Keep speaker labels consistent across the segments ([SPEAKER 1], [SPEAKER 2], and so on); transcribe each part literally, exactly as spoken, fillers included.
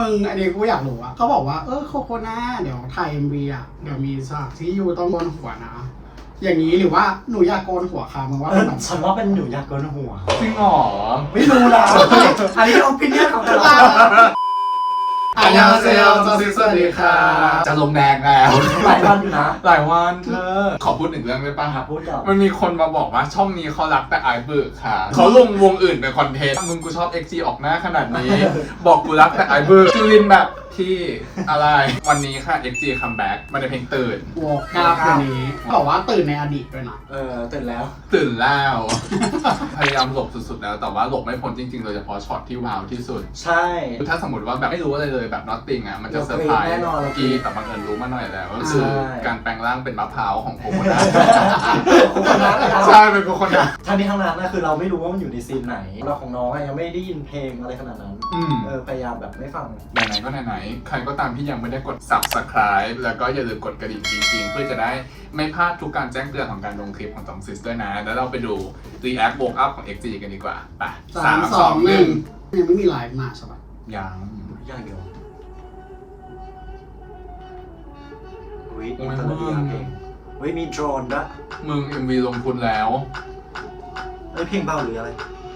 [SPEAKER 1] มึงอันนี้กูอยากรู้อะเขาบอกว่าเออโคโคนาเดี๋ยวถ่ายเอ็มวีอะเดี๋ยวมีฉากที่ยูต้องโกนหัวนะอย่างนี้หรือว่าหนูอยากโกนหัวค่ะมึงว่าเป็นแบบ
[SPEAKER 2] ฉันว่าเป็นหนูอยากโกนหัว
[SPEAKER 3] จริงหรอ
[SPEAKER 2] ไม่รู้ละอันนี้เอาพิเนียของแต่ละ
[SPEAKER 1] อันยาเซลจอซิสวัสดีค่ะ
[SPEAKER 3] จะลงแดงแล้ว
[SPEAKER 2] หลายวันอยู่นะ
[SPEAKER 3] หลายวันเธอขอพูดหนึ่งเรื่องได้ป่ะ
[SPEAKER 2] หาพูดก่อน
[SPEAKER 3] มันมีคนมาบอกว่าช่องนี้เขารักแต่ไอเบิร์กค่ะเขาลงวงอื่นเป็นคอนเทนต์มึงกูชอบ เอ็กซ์ จี ออกหน้าขนาดนี้ บอกกูรักแต่ไอเบิร์กจูลินแบบพี่อะไรวันนี้ค่ะ เอ็กซ์ จี คัมแบ็กมาในเพลงตื่น
[SPEAKER 1] วอกกราฟตัวนี้บอกว่าตื่นในอดีตด้วยนะ
[SPEAKER 2] เออตื่นแล้ว
[SPEAKER 3] ตื่นแล้ว พยายามหลบสุดๆแล้วแต่ว่าหลบไม่พ้นจริงๆโดยเฉพาะช็อตที่ว้าวที่สุด
[SPEAKER 2] ใช่
[SPEAKER 3] ถ้าสมมติว่าแบบไม่รู้อะไรเลยแบบ nothing อ่ะมันจะเซอร์ไพรส์
[SPEAKER 2] แน่นอน
[SPEAKER 3] กีแต่บังเอิญรู้มาหน่อยแล้วก็คือ
[SPEAKER 2] ใช่
[SPEAKER 3] การแปลงร่างเป็นมะพร้าวของโคโคนัท
[SPEAKER 2] โคโคนัทนะครับ
[SPEAKER 3] ใช่เป็นโคโคนัท
[SPEAKER 2] ทั้งนี้ทั้งนั้นนะคือเราไม่รู้ว่ามันอยู่ในซีนไหนเราของน้องอะยังไม่ได้ยินเพลงอะไรขนาดนั้น
[SPEAKER 3] อืม
[SPEAKER 2] เออพยายามแบบไม่ฟัง
[SPEAKER 3] ไหนๆก็ไหนๆใครก็ตามที่ยังไม่ได้กด subscribe แล้วก็อย่าลืมกดกระดิ่งจริงๆเพื่อจะได้ไม่พลาดทุกการแจ้งเตือนของการลงคลิปของสองซิสด้วยนะ แล้วเราไปดู react woke up ของ เอ็กซ์ จี กันดีกว่าไป
[SPEAKER 1] สามสองหนึ่งยังไม่มีไลฟ์มาใช่ปะ
[SPEAKER 3] ยัง
[SPEAKER 2] อย่างเดียววิ
[SPEAKER 3] โอ้
[SPEAKER 2] อิ
[SPEAKER 3] ย
[SPEAKER 2] นเตอร์เนียเพลงวิมีโดรนด้วย
[SPEAKER 3] มึง เอ็ม วี ลงทุนแล้ว
[SPEAKER 2] เอ้ยเพลงเบาหรืออะไร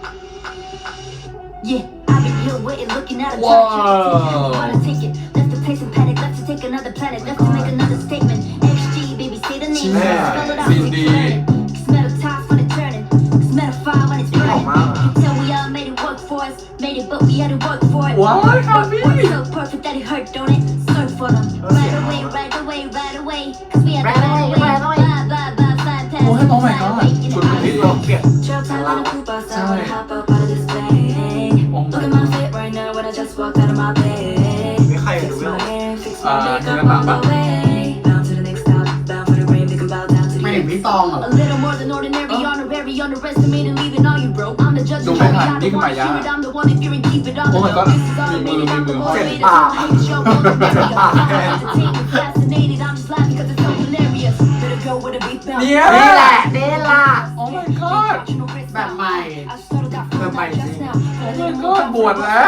[SPEAKER 4] Yeah, I've been here waiting, looking at a
[SPEAKER 3] Whoa.
[SPEAKER 4] time. Wanna take it, left the place in panic, left to take another planet, left to make another statement. X G, baby, say the name.
[SPEAKER 3] Yeah.
[SPEAKER 4] Spell it out,
[SPEAKER 3] Cindy.
[SPEAKER 4] keep turning. Cause metal ties when it's turning. Cause metal fire when it's burning.
[SPEAKER 2] Mama.
[SPEAKER 4] You can tell we all made it work for us. Made it, but we had to work for it.
[SPEAKER 3] What,
[SPEAKER 4] Work,
[SPEAKER 3] Happy?
[SPEAKER 4] work so perfect that it hurt, don't it? Surf for them. Right away, right away, right away. Cause we had to right away, right away. Bye, bye, bye, fine, pass.
[SPEAKER 3] Oh, oh my God. Good
[SPEAKER 2] This will get
[SPEAKER 4] Trail time on a coupe outside when I hop up out of this plane.
[SPEAKER 3] Oh my
[SPEAKER 4] Look at my fit right now when I just walked out of my bed.
[SPEAKER 2] ไม่ใคร
[SPEAKER 4] Fix
[SPEAKER 2] รู้
[SPEAKER 4] my
[SPEAKER 2] เรื่อง
[SPEAKER 4] hair, fix
[SPEAKER 3] Uh,
[SPEAKER 4] my makeup
[SPEAKER 3] Nina
[SPEAKER 4] all
[SPEAKER 3] Baba.
[SPEAKER 4] the way. Bound to the next stop, bound for the rain, they can bow down to
[SPEAKER 1] ไม่
[SPEAKER 4] the
[SPEAKER 1] เห็น
[SPEAKER 4] end.
[SPEAKER 1] พี่ตองเหรอ
[SPEAKER 4] A little more than ordinary, honorary, underestimated, leaving all you broke. I'm the judge
[SPEAKER 3] Don't
[SPEAKER 4] and jury,
[SPEAKER 3] mind,
[SPEAKER 4] I'm the
[SPEAKER 3] Nick
[SPEAKER 4] one to
[SPEAKER 3] Maya.
[SPEAKER 4] hear it, I'm the one if you're in keep it on
[SPEAKER 3] Oh
[SPEAKER 4] the
[SPEAKER 3] my
[SPEAKER 4] low.
[SPEAKER 3] God.
[SPEAKER 4] This is automated, I'm the
[SPEAKER 3] Mimi,
[SPEAKER 4] motivated,
[SPEAKER 2] Mimi.
[SPEAKER 4] so I hate the show, all the barrier. I'm entertained, fascinated, I'm just laughing 'cause it's so hilarious. Better go with a beat bounce.
[SPEAKER 3] เนี่ย
[SPEAKER 2] นี่แหละนี่ล่ะ
[SPEAKER 3] Oh my god
[SPEAKER 1] แบบใหม่
[SPEAKER 2] แบบใหม่จริง
[SPEAKER 3] Oh my god บวชแล้ว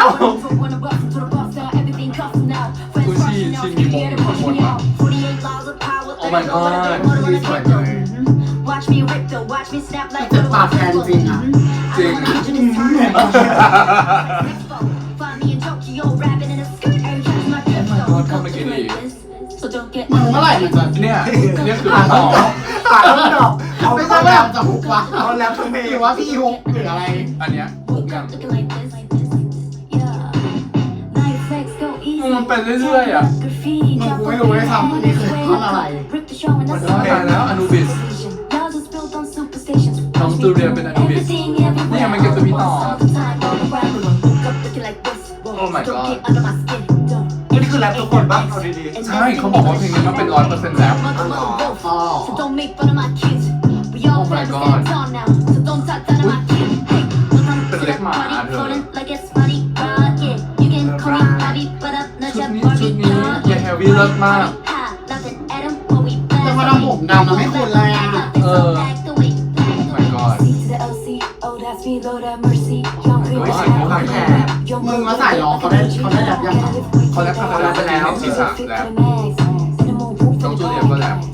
[SPEAKER 4] กูชีชีมีมงอยู่ข้างบนวะ Oh my god
[SPEAKER 1] ดีสวยเลย
[SPEAKER 4] Watch me rip though, watch me snap like
[SPEAKER 1] เจ็บปากแทนจริงอะ
[SPEAKER 3] จริง
[SPEAKER 4] Find me in Tokyo, rapping in a skirt, and catch my drift
[SPEAKER 3] Oh my god
[SPEAKER 4] though.
[SPEAKER 3] เข้าไปกินอีก
[SPEAKER 4] So don't get
[SPEAKER 1] มึงเมื่อไหร่มันจะ
[SPEAKER 3] เนี่ยเนี่ยคือ
[SPEAKER 2] หา
[SPEAKER 3] ต่
[SPEAKER 2] ต้
[SPEAKER 3] อน
[SPEAKER 2] ดอกหาต้นดอกเอา
[SPEAKER 1] ไม่
[SPEAKER 2] ต้
[SPEAKER 1] ใช่
[SPEAKER 2] น
[SPEAKER 1] แบ
[SPEAKER 2] แบบ บ
[SPEAKER 1] จะฮุกวะ
[SPEAKER 2] เอาแล้วทั้งเพลง
[SPEAKER 1] หรือว่าพี่ฮุกหรืออะไร
[SPEAKER 3] อันเนี้ยถูกยัง
[SPEAKER 4] looking like this. Yeah. Night flex go easy.
[SPEAKER 3] มันเป็นเรื่อยๆอ่ะ
[SPEAKER 4] Graffiti,
[SPEAKER 1] มึง
[SPEAKER 4] drop
[SPEAKER 1] กู
[SPEAKER 4] a
[SPEAKER 1] ไม่รู้ด้วยซ้ำอันนี้คือท่อนอะไร
[SPEAKER 4] Rip the show and that's
[SPEAKER 3] โอ้ยตายแล้วอนูบิส
[SPEAKER 4] Y'all just built on superstitions.
[SPEAKER 3] น้องจูเลียเป็นอนูบิส
[SPEAKER 4] Everything everywhere.
[SPEAKER 3] นี่ยังไม่เก็บตัวพี่ต่อ
[SPEAKER 4] All the time, all around. Woke up looking like this.
[SPEAKER 3] Oh my
[SPEAKER 4] Don't
[SPEAKER 3] god.
[SPEAKER 4] get under my skin. Don't.
[SPEAKER 2] นี่คือแรปทุกคนบ้างเอาดี
[SPEAKER 3] ใช่เขาบอกว่าเพลงนี้มันเป็นร้อยเปอร์เซ็นต์แล้ว
[SPEAKER 1] อ๋อ
[SPEAKER 4] So don't make fun of my kids. We all
[SPEAKER 3] Oh my
[SPEAKER 4] family
[SPEAKER 3] god.
[SPEAKER 4] stand tall now. So don't talk down to my kids. Hey, look on
[SPEAKER 3] เป็น
[SPEAKER 4] to
[SPEAKER 3] เล็
[SPEAKER 4] the
[SPEAKER 3] กหมา
[SPEAKER 4] party,
[SPEAKER 3] เธอ
[SPEAKER 4] floating like it's funny, right? Yeah, you can call me Bobby, but up, not
[SPEAKER 3] ชุด
[SPEAKER 4] just
[SPEAKER 3] นี้
[SPEAKER 4] Barbie,
[SPEAKER 3] ชุดนี้
[SPEAKER 4] dog.
[SPEAKER 3] เยเฮวี่เลิศมาก
[SPEAKER 4] Ha, nothing at 'em, but we blast.
[SPEAKER 1] แต่พอทำผมดำเราไม่คุ้นเลยอะ
[SPEAKER 4] Nothing, so
[SPEAKER 3] Uh.
[SPEAKER 4] back the way, back
[SPEAKER 3] Oh
[SPEAKER 4] the
[SPEAKER 3] my
[SPEAKER 4] way.
[SPEAKER 3] god
[SPEAKER 4] C to the L C, oh that's me, Lord have mercy. Young
[SPEAKER 3] my
[SPEAKER 4] Chris,
[SPEAKER 3] god,
[SPEAKER 4] Young
[SPEAKER 3] my
[SPEAKER 4] Chris.
[SPEAKER 3] god.
[SPEAKER 4] Young
[SPEAKER 1] มึง
[SPEAKER 4] Chris,
[SPEAKER 1] มาใส่ร้องเขาได้เขาได้แบบยังไง
[SPEAKER 3] เขาแรปเขาแรปไปแล้วศีรษะแรป น้องจูเลียก็แรป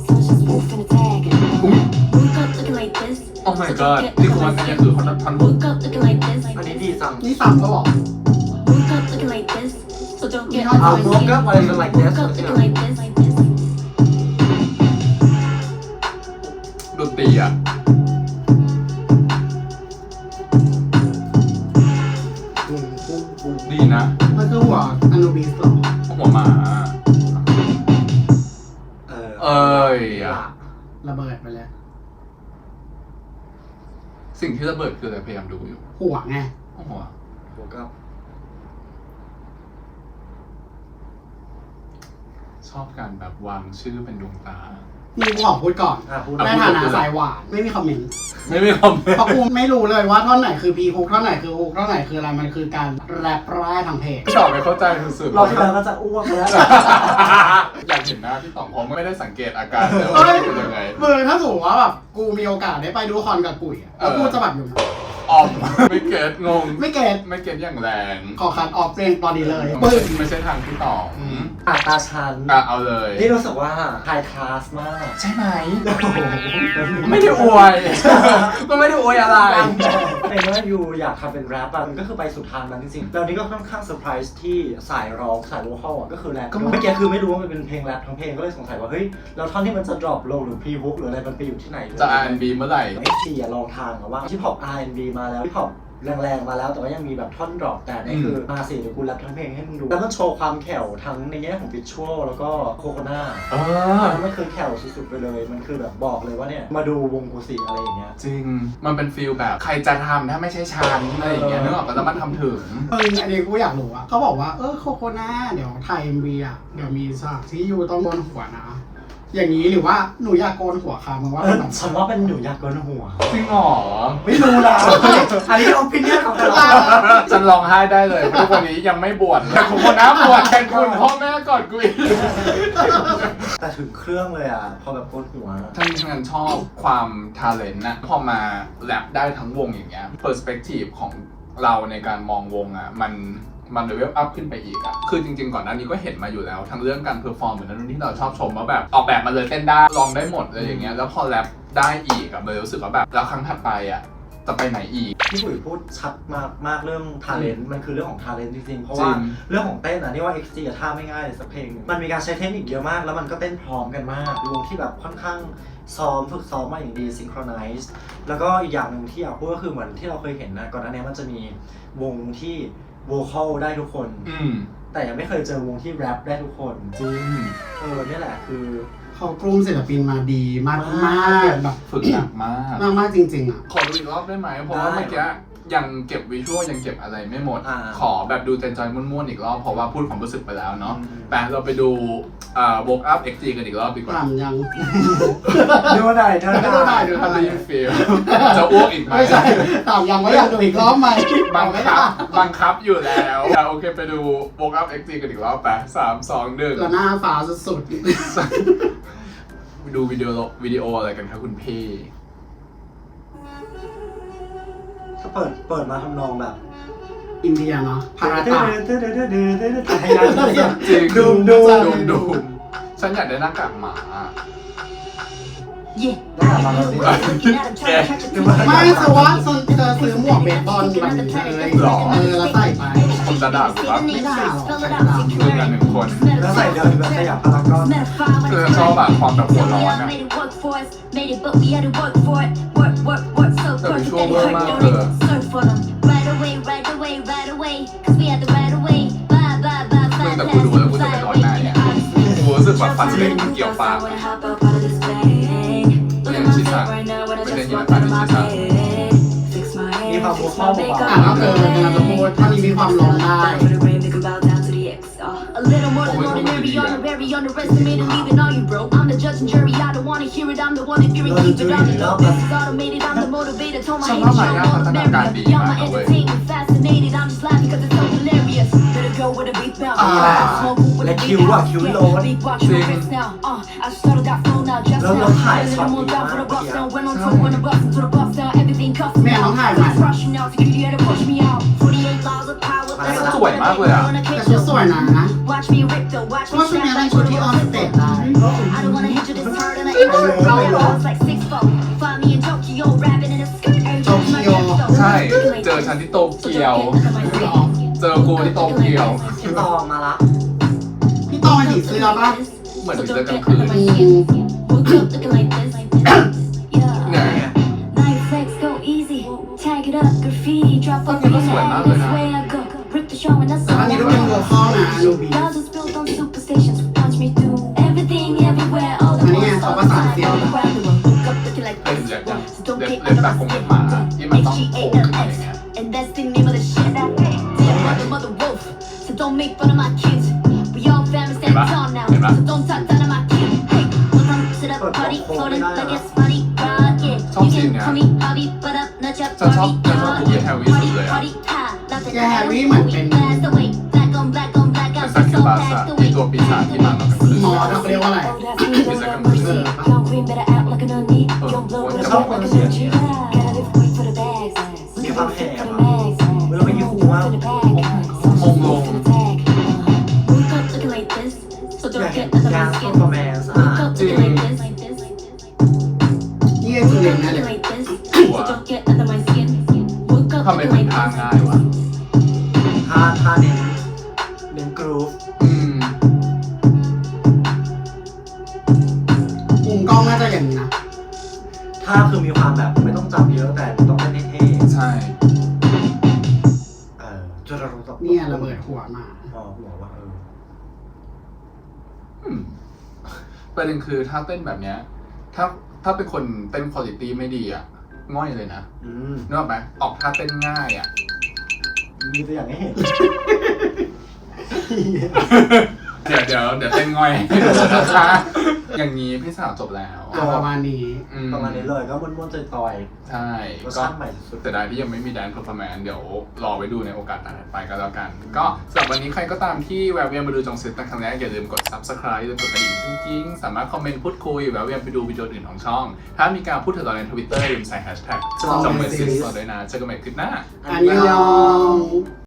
[SPEAKER 4] Woke up looking like this.
[SPEAKER 3] Oh my god นี่คือวันนี้คือเขาท่อนบุก
[SPEAKER 4] Woke up looking like this.
[SPEAKER 2] ๆอันนี้ดีจัง
[SPEAKER 1] นี่ซ้ำก็บอก
[SPEAKER 4] Woke up looking like this. So don't get
[SPEAKER 1] เอา
[SPEAKER 2] เอา
[SPEAKER 4] under
[SPEAKER 2] โม
[SPEAKER 4] my
[SPEAKER 2] กับ
[SPEAKER 4] skin.
[SPEAKER 2] อะไรกัน like this
[SPEAKER 4] Woke up looking like this.
[SPEAKER 3] ดนตรีอ่ะ
[SPEAKER 1] ปุ้งปุ้งปุ้ง
[SPEAKER 3] ดีนะ
[SPEAKER 1] มันคือหัวอนูบิสเหรอ
[SPEAKER 3] หัวหมา
[SPEAKER 2] เออ
[SPEAKER 3] เอ้ยอ่ะ
[SPEAKER 1] ระเบิดไปเลย
[SPEAKER 3] สิ่งที่ระเบิดคืออะไรพยายามดูอยู่
[SPEAKER 1] หัวไง
[SPEAKER 3] หัว
[SPEAKER 2] โมกับ
[SPEAKER 3] ชอบการแบบวางชื่อเป็นดวงตา
[SPEAKER 1] มึงกูขอพูดก่อน
[SPEAKER 2] อ่ะพูด
[SPEAKER 1] ในฐานะสายหวานไม่มีคอมเมนต์
[SPEAKER 3] ไม่มีคอมเมน
[SPEAKER 1] เพราะ
[SPEAKER 3] ต์
[SPEAKER 1] กูไม่รู้เลยว่าท่อนไหนคือพีฮุกท่อนไหนคือฮุกท่อนไหนคืออะไรมันคือการแรปร่ายทางเพจ
[SPEAKER 3] พี่ต่อไม่เข้าใจสุดๆ
[SPEAKER 2] เราที่แล้วก็จะอ้วกไปแล้ว
[SPEAKER 3] อยากเห็นหน้าพี่ต่องเพราะไม่ได้สังเกตอาการเลย
[SPEAKER 1] เอ้
[SPEAKER 3] ว่าย เป็นยังไง
[SPEAKER 1] มึงถ้าสมมติว่าแบบกูมีโอกาสได้ไปดูคอนกับกุ๋ยอะแล้วกูจะแบบอยู่นะ
[SPEAKER 3] อออม ไม่เก็ตงง
[SPEAKER 1] ไม่เก็ต
[SPEAKER 3] ไม่เก็ตอย่างแรง
[SPEAKER 1] ขอคัดออฟเพลงตอนนี้เลย
[SPEAKER 3] ปึ้
[SPEAKER 1] ปึ้
[SPEAKER 3] ง
[SPEAKER 1] ง
[SPEAKER 3] ไม่ใช่ทางที่ต่ออ
[SPEAKER 2] อ่ะตาชัน
[SPEAKER 3] อ่ะเอาเลย
[SPEAKER 2] นี่รู้สึกว่าไฮคลาสมาก
[SPEAKER 3] ใช่ไหม
[SPEAKER 2] โอ้โห
[SPEAKER 3] ไม่ได้อวย ก็ไม่ได้อวยอะไร
[SPEAKER 2] เป็นว่ายูอยากทำเป็นแรปอะมันก็คือไปสุดทางนั้นจริงๆแล้วนี่ก็ค่อนข้างเซอร์ไพรส์ที่สายร้องสายโวคอลอะก็คือแรป
[SPEAKER 3] ก็
[SPEAKER 2] เมื่อกี้คือไม่รู้ว่ามันเป็นเพลงแรปทั้งเพลงก็เลยสงสัยว่าเฮ้ยแล้วท่อนที่มันจะดรอปลงหรือพรีฮุกหรืออะไรมันไปอยู่ที่ไหน
[SPEAKER 3] จะ อาร์ แอนด์ บี เมื่อไหร่
[SPEAKER 2] เอ็กซีอะลองทางอะว่าฮิปฮอป อาร์ แอนด์ บี มาแล้วฮิปฮอปแรงๆมาแล้วแต่ว่ายังมีแบบท่อนดรอปแต่นี่คือมาสิเดี๋ยวกูแรปทั้งเพลงให้มึงดูแล้วมันโชว์ความแข็งทั้งในแง่ของวิชวลแล้วก็โคโคนา
[SPEAKER 3] เออ
[SPEAKER 2] มันคือแข็งสุดๆไปเลยมันคือแบบบอกเลยว่าเนี่ยมาดูวงกูสิอะไรอย่างเงี้ย
[SPEAKER 3] จริง มันเป็นฟีลแบบใครจะทำถ้าไม่ใช่ฉันอะไรอย่างเงี้ยนึกออกปะแล้วมันทำถึง
[SPEAKER 1] เอออันนี้กูอยากรู้อะเขาบอกว่าเออโคโคนาเดี๋ยวถ่ายเอ็มวีอะเดี๋ยวมีฉากที่ยูต้องโกนหัวนะ อย่างนี้หรือว่าหนูอยากโกนหัวค่ะมึงว่า
[SPEAKER 2] เอ
[SPEAKER 1] เป็น
[SPEAKER 2] อ
[SPEAKER 1] แบบ
[SPEAKER 2] ฉันว่าเป็นหนูอยากโกนหัว
[SPEAKER 3] จริงเหรอ
[SPEAKER 2] ไม่รู้ละอันนี้เอาพิเนียของเรา
[SPEAKER 3] ฉันร้องไห้ได้เลยเพราะทุกวันนี้ยังไม่บวชแต่คุณคนน้าบวชแทนคุณพ่อแม่ก่อนกูอีก
[SPEAKER 2] แต่ถึงเครื่องเลยอ่ะพอแบบโกนหัว
[SPEAKER 3] ท่านฉันชอบความทาเลนต์นะพอมาแรปได้ทั้งวงอย่างเงี้ยเปอร์สเปกทีฟของเราในการมองวงอ่ะมันมันเลเวลอัพขึ้นไปอีกอ่ะคือจริงๆก่อนหน้านี้ก็เห็นมาอยู่แล้วทั้งเรื่องการเพอร์ฟอร์มเหมือนนั้นที่เราชอบชมว่าแบบออกแบบมาเลยเต้นได้ลองได้หมดเลยอย่างเงี้ยแล้วพอแรปได้อีกอ่ะเลยรู้สึกว่าแบบแล้วครั้งถัดไปอ่ะจะไปไหนอีก
[SPEAKER 2] พี่ปุ๋ยพูดชัดมากมากเรื่องทาเลนต์มันคือเรื่องของทาเลนต์จริงๆ เพราะ
[SPEAKER 3] จริ
[SPEAKER 2] ว่าง เรื่องของเต้นนะนี่ว่า เอ็กซ์ จี อะท่าไม่ง่ายเลยสักเพลงหนึ่งมันมีการใช้เทคนิคเยอะมากแล้วมันก็เต้นพร้อมกันมากวงที่แบบค่อนข้างซ้อมฝึกซ้อมมาอย่างดีซิงโครไนซ์แล้วก็อีกอย่างหนึ่งที่อยากพูดก็คือเหมือนที่เราเคยเห็นนะก่อนหน้านี้มันจะมีวงที่โวคอลได้ทุกคน
[SPEAKER 3] อืม
[SPEAKER 2] แต่ยังไม่เคยเจอวงที่แรปได้ทุกคน
[SPEAKER 3] จริง
[SPEAKER 2] เออเนี่ยแหละคือ
[SPEAKER 1] เขากลุ่มศิลปินมาดีมากมากแบบ
[SPEAKER 3] ฝึกหนักมาก
[SPEAKER 1] มากมากจริงๆอ่ะ
[SPEAKER 3] ขอดูอีกรอบได้ไหมเพราะว่าเมื่อกี้ยังเก็บวิชวลยังเก็บอะไรไม่หมด
[SPEAKER 2] อ่า
[SPEAKER 3] ขอแบบดูใจจอยม่วนๆอีกรอบเพราะว่าพูดความรู้สึกไปแล้วเนาะ
[SPEAKER 2] อืม
[SPEAKER 3] แต่เราไปดูอ่า Woke Up เอ็กซ์ จี กันอีกรอบดีกว่า
[SPEAKER 1] ต่ำยัง
[SPEAKER 2] ดูได้ดู
[SPEAKER 1] ดูได้
[SPEAKER 2] ได้
[SPEAKER 1] ดู
[SPEAKER 3] ถ้าได้ยินฟีลจะอ้วกอีกไหม
[SPEAKER 1] ไม่ใช่ต่ำยังไม่อยากดูอีกรอบไหม
[SPEAKER 3] บัง
[SPEAKER 1] ไม่
[SPEAKER 3] คั
[SPEAKER 1] ได้
[SPEAKER 3] บบังคับอยู่แล้วอ่ะโอเคไปดู Woke Up เอ็กซ์ จี กันอีกรอบไปสามสองหนึ่ง
[SPEAKER 1] แล้วหน้าฟ้าสุด
[SPEAKER 3] ดูวิดีโอวิดีโออะไรกันครับคุณพี่
[SPEAKER 2] ก็เปิดเปิดมาทำนองแบบ
[SPEAKER 1] ๆอินเดียเนาะพาราตา
[SPEAKER 3] จริง
[SPEAKER 2] ดูมดูม
[SPEAKER 3] ดูมดูมฉันอยากได้หน้ากากหมา
[SPEAKER 4] Yeah.
[SPEAKER 2] แล้วกลับมาแล้วสิ
[SPEAKER 1] ไม่สวัสดิ์เธอซื้อหมวกเบสบอลแบบนี้เลย
[SPEAKER 3] หรอ
[SPEAKER 1] เออแล้วใส่ไป
[SPEAKER 3] ผมจะด่ากูปะ
[SPEAKER 1] ไม่ได้หรอก
[SPEAKER 3] คือกันหนึ่งคน
[SPEAKER 2] แล้วใส่เดินแบบขยับพารากอน
[SPEAKER 3] คือชอบแบบความแบบหัวร้อนอะ
[SPEAKER 4] แต่
[SPEAKER 3] วิชวลเวอร์มากเลย
[SPEAKER 4] Right away, right away, right away, 'cause we had the right away. Bye, bye, bye,
[SPEAKER 3] มึง
[SPEAKER 4] bye,
[SPEAKER 3] แต่กูดูแล้วกูจะเป็นร้อนในอ่ะกูรู้สึกแบบฟันเล่งเกี่ยวปาก
[SPEAKER 4] ยังชิสันไม่ได้ยินอะไรชิสัน
[SPEAKER 2] มีความโวคอลเบา
[SPEAKER 1] อ่ะก็คือเวลาจะพูดถ้านี้มีความร้องได้
[SPEAKER 4] A little more than ordinary, on the very underestimated, leaving all you broke. I'm the judge and jury, I don't wanna hear it, I'm the one that fear and keep it on the low. This is automated, I'm the motivator, told my haters, y'all know the barrier. Y'all my entertainment, fascinated, I'm just laughing cause it's so hilarious. Better go with a beat bounce, smoke with a beat bounce, yeah. Beatbox, you fix now, uh, I started that flow now, just now. A little more down for the bus down, went on tour, when the bus into the bus down, everything cuffed me out. Police rushing out, security had to push me out. forty-eight laws of power,
[SPEAKER 3] สวยมากเลยอ่ะ
[SPEAKER 1] แต่ชุดสวยนะนะ
[SPEAKER 4] Watch me rip though, watch
[SPEAKER 1] เพราะ
[SPEAKER 4] me
[SPEAKER 1] ว่าชุด
[SPEAKER 4] snap
[SPEAKER 1] นี้เป็น
[SPEAKER 4] like
[SPEAKER 1] ชุดที่ออนสเตจได้
[SPEAKER 4] I don't wanna hit you this hard and I ain't sure how it goes like six foot. Find me in Tokyo, rapping in a skirt.
[SPEAKER 1] Tokyo
[SPEAKER 3] ใช่ เจอฉันที่โตเกียว เจอกูที่โตเกียว
[SPEAKER 2] ๆพี่ตองมาละ
[SPEAKER 1] พี่ตองเป็นผีเสื้อป่ะ
[SPEAKER 3] เหมือนผีเสื้อกลางคืน
[SPEAKER 4] Yeah. Night flex, go easy. Tag it up, graffiti, drop up in the air. This way I go. Rip the show and that's
[SPEAKER 1] แต่
[SPEAKER 4] all
[SPEAKER 1] อันนี้
[SPEAKER 4] I
[SPEAKER 1] ก็เป็นโว
[SPEAKER 4] know.
[SPEAKER 1] คอลนะลูบี
[SPEAKER 4] Y'all just built on superstitions. Watch me do everything, everywhere, all the
[SPEAKER 1] อันนี้ไง
[SPEAKER 4] world,
[SPEAKER 1] เขา
[SPEAKER 4] all
[SPEAKER 1] ประ
[SPEAKER 4] the
[SPEAKER 1] สาน
[SPEAKER 4] time,
[SPEAKER 1] เสียง
[SPEAKER 4] all around the world. Woke up looking like
[SPEAKER 3] เอ้ย
[SPEAKER 4] this.
[SPEAKER 3] เล็บยัง
[SPEAKER 4] So don't
[SPEAKER 3] เล็บ
[SPEAKER 4] get
[SPEAKER 3] เล็บ
[SPEAKER 4] under
[SPEAKER 3] แบบ
[SPEAKER 4] my
[SPEAKER 3] คงเป็น
[SPEAKER 4] skin.
[SPEAKER 3] หมาที่มันต้อง
[SPEAKER 4] H G
[SPEAKER 3] โผล่
[SPEAKER 4] A
[SPEAKER 3] ขึ้น
[SPEAKER 4] L
[SPEAKER 3] มาอย่าง
[SPEAKER 4] S.
[SPEAKER 3] เงี้ย
[SPEAKER 4] And that's the name of the shit. Damn like the mother wolf. So don't make fun of my kids. We all family stand tall now. So don't talk down to my kids. Hey, welcome to the party. Floating like it's funny. Right, yeah. You can call me Bobby, but up, not your
[SPEAKER 3] ฉันชอบ
[SPEAKER 4] party.
[SPEAKER 3] ฉันชอบกูเกแฮร์รี่สุดเลยอ่ะ
[SPEAKER 4] Party, ha. Like
[SPEAKER 1] แกแฮร์รี่เหมือนเป็น
[SPEAKER 4] blast away. Black on black on black
[SPEAKER 3] เป็น
[SPEAKER 4] out.
[SPEAKER 3] ซักคิ
[SPEAKER 4] So
[SPEAKER 3] บาสะ
[SPEAKER 4] packed
[SPEAKER 3] ที่
[SPEAKER 4] away.
[SPEAKER 3] ตัวปีศาจที่มาตอนกลางคืน
[SPEAKER 1] หมอเขาเรียกว่าอะไร
[SPEAKER 3] ปีศาจกลางคืน
[SPEAKER 4] Young queen better act like an onion. Young blood with a
[SPEAKER 2] Sao
[SPEAKER 4] heart like
[SPEAKER 2] không
[SPEAKER 4] a
[SPEAKER 2] nói
[SPEAKER 4] virgin. Gotta live quick for the bags.
[SPEAKER 2] มีความเห็นการเพอร์ฟอร์แมนซ์อ่ะ
[SPEAKER 3] จริง
[SPEAKER 1] นี่คือเรียนนั่นเลย
[SPEAKER 3] ทำไมมันทางง่ายวะ
[SPEAKER 2] ท่าท่าเน้นเน้นกรูฟ
[SPEAKER 3] อืม
[SPEAKER 1] มุมกล้องน่าจะอย่างนี้นะ
[SPEAKER 2] ท่าคือมีความแบบไม่ต้องจับเยอะแต่ต้องเต้นเท่
[SPEAKER 3] ใช่
[SPEAKER 2] ๆเออจุดระดับ
[SPEAKER 1] เนี่ยระเบิดหัวมา
[SPEAKER 2] อ๋อหัวว่าเออ
[SPEAKER 3] อืมประเด็นคือถ้าเต้นแบบเนี้ย ถ้าถ้าเป็นคนเต้นคุณภาพไม่ดีอ่ะ ง่อยเลยนะ
[SPEAKER 2] อืม
[SPEAKER 3] นึกออกไหมออกท่าเต้นง่ายอ่ะ
[SPEAKER 2] มีตัวอย่างให้เห็น
[SPEAKER 3] เดี๋ยวเดี๋ยวเดี๋ยวเต้นง่อยให้ดูนะคะอย่างนี้พี่สาวจบแล้ว
[SPEAKER 1] อ่ะประมาณนี้
[SPEAKER 3] อื
[SPEAKER 2] ประมาณนี้เลยก็ม้วนๆจอย
[SPEAKER 3] ใช่
[SPEAKER 2] ๆรส
[SPEAKER 3] ก็
[SPEAKER 2] ชาติใหม่สุด
[SPEAKER 3] แต่ได้ที่ยังไม่มีแดนเพอร์ฟอร์แมนซ์เดี๋ยวรอไปดูในโอกาสถัดไปก็แล้วกัน ก็สำหรับวันนี้ใครก็ตามที่แวะเวียนมาดูจงซิสเป็นครั้งแรกอย่าลืมกด ซับสไครบ์ อย่าลืมกดกระดิ่งจริงๆ สามารถคอมเมนต์พูดคุยแวะเวียนไปดูวิดีโออื่นของช่อง ถ้ามีการพูดถึงเราในทวิตเตอร์อย่าลืมใส่แฮชแท็กจงซิสด้วยนะเจอกันใหม่คลิปหน้า
[SPEAKER 2] ๆ
[SPEAKER 1] อันยอง